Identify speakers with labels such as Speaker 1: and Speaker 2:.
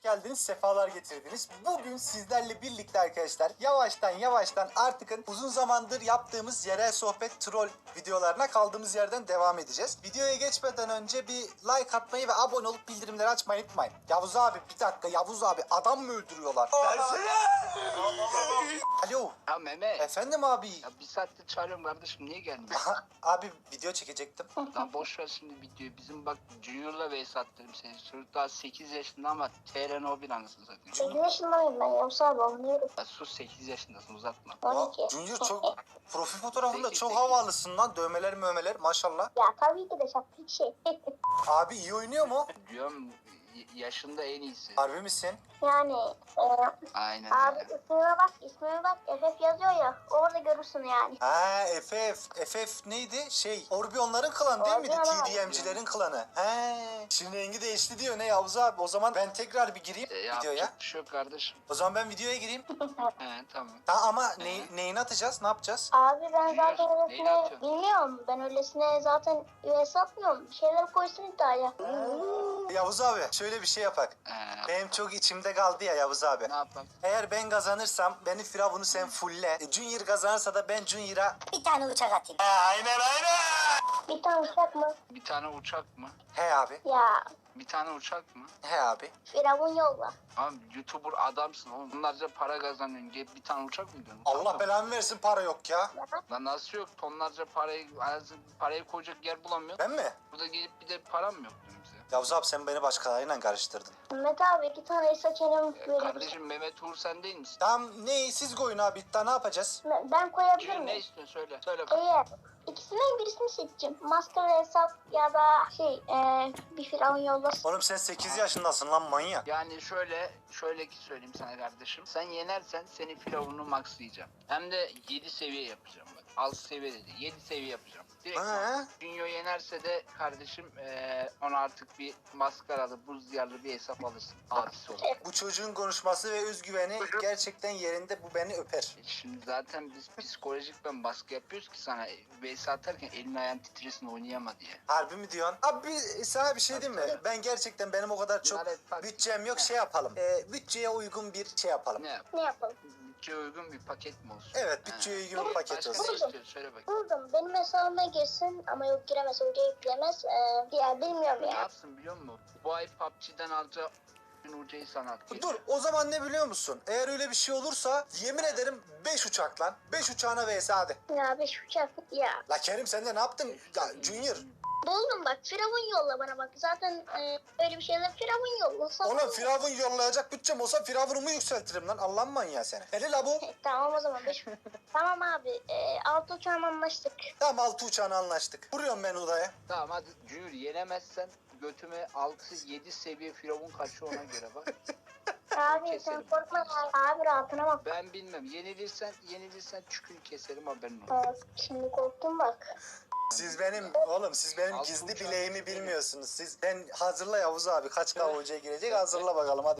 Speaker 1: geldiniz, sefalar getirdiniz. Bugün sizlerle birlikte arkadaşlar yavaştan artık uzun zamandır yaptığımız yerel sohbet troll videolarına kaldığımız yerden devam edeceğiz. Videoya geçmeden önce bir like atmayı ve abone olup bildirimleri açmayı unutmayın. Yavuz abi bir dakika, Yavuz abi adam mı öldürüyorlar? Alo.
Speaker 2: Ya Mehmet.
Speaker 1: Efendim abi.
Speaker 2: Ya bir saattir çağırıyorum kardeşim, niye gelmiyor?
Speaker 1: Aha, abi video çekecektim.
Speaker 2: Lan boş ver şimdi videoyu. Bizim bak Junior'la vs attırdım seni. Çocuk daha 8 yaşında ama TRN o bir anasını satayım.
Speaker 3: 8 yaşındayım ben Yavuz abi anlıyorum.
Speaker 2: Ya sus, 8 yaşındasın, uzatma.
Speaker 3: 12.
Speaker 1: Junior çok profil fotoğrafında
Speaker 2: Peki,
Speaker 1: çok
Speaker 2: peki.
Speaker 1: havalısın lan. Dövmeler maşallah.
Speaker 3: Ya tabii ki de şaplık şey.
Speaker 1: Abi iyi oynuyor mu?
Speaker 2: Diyorum yaşında en iyisi.
Speaker 1: Harbi misin?
Speaker 3: Yani
Speaker 2: Aynen
Speaker 3: abi
Speaker 2: öyle.
Speaker 3: ismime bak FF yazıyor ya orada görürsün yani.
Speaker 1: Ha FF neydi? Orbi onların klanı değil miydi?
Speaker 3: Orbi, evet.
Speaker 1: TDM'cilerin klanı. He. Şimdi rengi değişti diyor ne Yavuz abi? O zaman ben tekrar bir gireyim videoya.
Speaker 2: Yapacak bir şey yok kardeşim.
Speaker 1: O zaman ben videoya gireyim.
Speaker 2: He tamam.
Speaker 1: Ama neyini atacağız? Ne yapacağız?
Speaker 3: Abi ben
Speaker 2: Junior,
Speaker 3: zaten
Speaker 2: neyle
Speaker 3: öylesine
Speaker 2: atıyorsun?
Speaker 3: bilmiyorum. Ben öylesine zaten US atmıyorum. Bir şeyler koysun iddiaya.
Speaker 1: Yavuz abi şöyle bir şey yapak. Benim çok içimde kaldı ya Yavuz abi.
Speaker 2: Ne yapalım?
Speaker 1: Eğer ben kazanırsam beni Firavun'u sen fulle. Junior kazanırsa da ben Junior'a
Speaker 3: Bir tane uçak atayım.
Speaker 1: aynen.
Speaker 3: Bir tane uçak mı?
Speaker 2: Bir tane uçak mı?
Speaker 1: He abi.
Speaker 3: Ya
Speaker 2: Bir tane uçak mı?
Speaker 1: He abi.
Speaker 3: Firavun yolla.
Speaker 2: Abi YouTuber adamsın oğlum. Onlarca para kazanıyorsun. Gelip bir tane uçak mı diyorsun?
Speaker 1: Allah belamı versin para yok ya.
Speaker 2: Lan nasıl yok? Tonlarca parayı koyacak yer bulamıyor.
Speaker 1: Ben mi?
Speaker 2: Burada gelip bir de param yok diyorum bize.
Speaker 1: Yavuz abi sen beni başkalarıyla karıştırdın.
Speaker 3: Mehmet abi 2 tane seçeneğim verir.
Speaker 2: Kardeşim Mehmet Uğur sen değil misin?
Speaker 1: Tamam siz koyun abi daha ne yapacağız?
Speaker 3: Ben koyabilir
Speaker 2: Junior ne
Speaker 3: miyim?
Speaker 2: istiyorsun söyle. Söyle bak.
Speaker 3: Eğer ikisinden birisini seçeceğim. Maskara hesap ya da bir firavun yollasın.
Speaker 1: Oğlum sen 8 yaşındasın lan manyak.
Speaker 2: Yani şöyle ki söyleyeyim sana kardeşim. Sen yenersen senin firavunu maxlayacağım. Hem de 7 seviye yapacağım bak. 6 seviye dedi. 7 seviye yapacağım. Direkt
Speaker 1: He?
Speaker 2: Junior yenerse de kardeşim ona artık bir maskaralı, buz diyarlı bir hesap alırsın. Abisi olur.
Speaker 1: Bu çocuğun konuşması ve özgüveni gerçekten yerinde, bu beni öper.
Speaker 2: Şimdi zaten biz psikolojik ben baskı yapıyoruz ki sana vs atarken elin ayağın titresin oynayama diye.
Speaker 1: Harbi mi diyorsun? Abi sana bir şey diyeyim mi? Ben gerçekten benim o kadar çok
Speaker 2: Bunlar hep bak-
Speaker 1: bütçem yok, şey yapalım. Bütçeye uygun bir şey yapalım.
Speaker 2: Ne yap?
Speaker 3: Ne yapalım?
Speaker 2: Bütçeye uygun bir paket mi olsun?
Speaker 1: Evet, bütçeye uygun bir paket
Speaker 2: Başka
Speaker 1: olsun.
Speaker 2: ne istiyorsun? Söyle bakayım.
Speaker 3: Buldum. Benim hesabıma girsin ama yok giremez. Oraya yüklemez. Ya bilmiyorum
Speaker 2: Ne
Speaker 3: ya.
Speaker 2: yapsın biliyor musun? Bu ay PUBG'den alacağı UC'yi sana atıyor.
Speaker 1: Dur o zaman ne biliyor musun? Eğer öyle bir şey olursa yemin ederim 5 uçak lan. 5 uçağına vs hadi.
Speaker 3: Ya 5 uçak. Ya.
Speaker 1: La Kerim sen de ne yaptın? Ya Junior.
Speaker 3: Buldum bak. Firavun yolla bana bak. Zaten öyle bir şeyler firavun yolla.
Speaker 1: Oğlum Firavun yollayacak bütçem olsa Firavun'umu yükseltirim lan. Allah'ın manyağı seni. Hele la bu.
Speaker 3: Tamam o zaman 5. Tamam abi. 6 uçağım anlaştık.
Speaker 1: Tamam 6 uçağına anlaştık. Vuruyorum ben odaya.
Speaker 2: Tamam hadi Junior yenemezsen götüme 6-7 seviye firavun kaçıyor ona göre bak.
Speaker 3: Abi sen
Speaker 2: Keselim.
Speaker 3: korkma. Abi rahatına bak.
Speaker 2: Ben bilmem. Yenilirsen çükünü keserim haberin olur.
Speaker 3: Şimdi korktum bak.
Speaker 1: Siz benim
Speaker 2: Altı
Speaker 1: gizli
Speaker 2: uçağı
Speaker 1: bileğimi
Speaker 2: isterim.
Speaker 1: bilmiyorsunuz. Sen hazırla Yavuz abi. Kaç KOC'ye girecek hazırla bakalım hadi.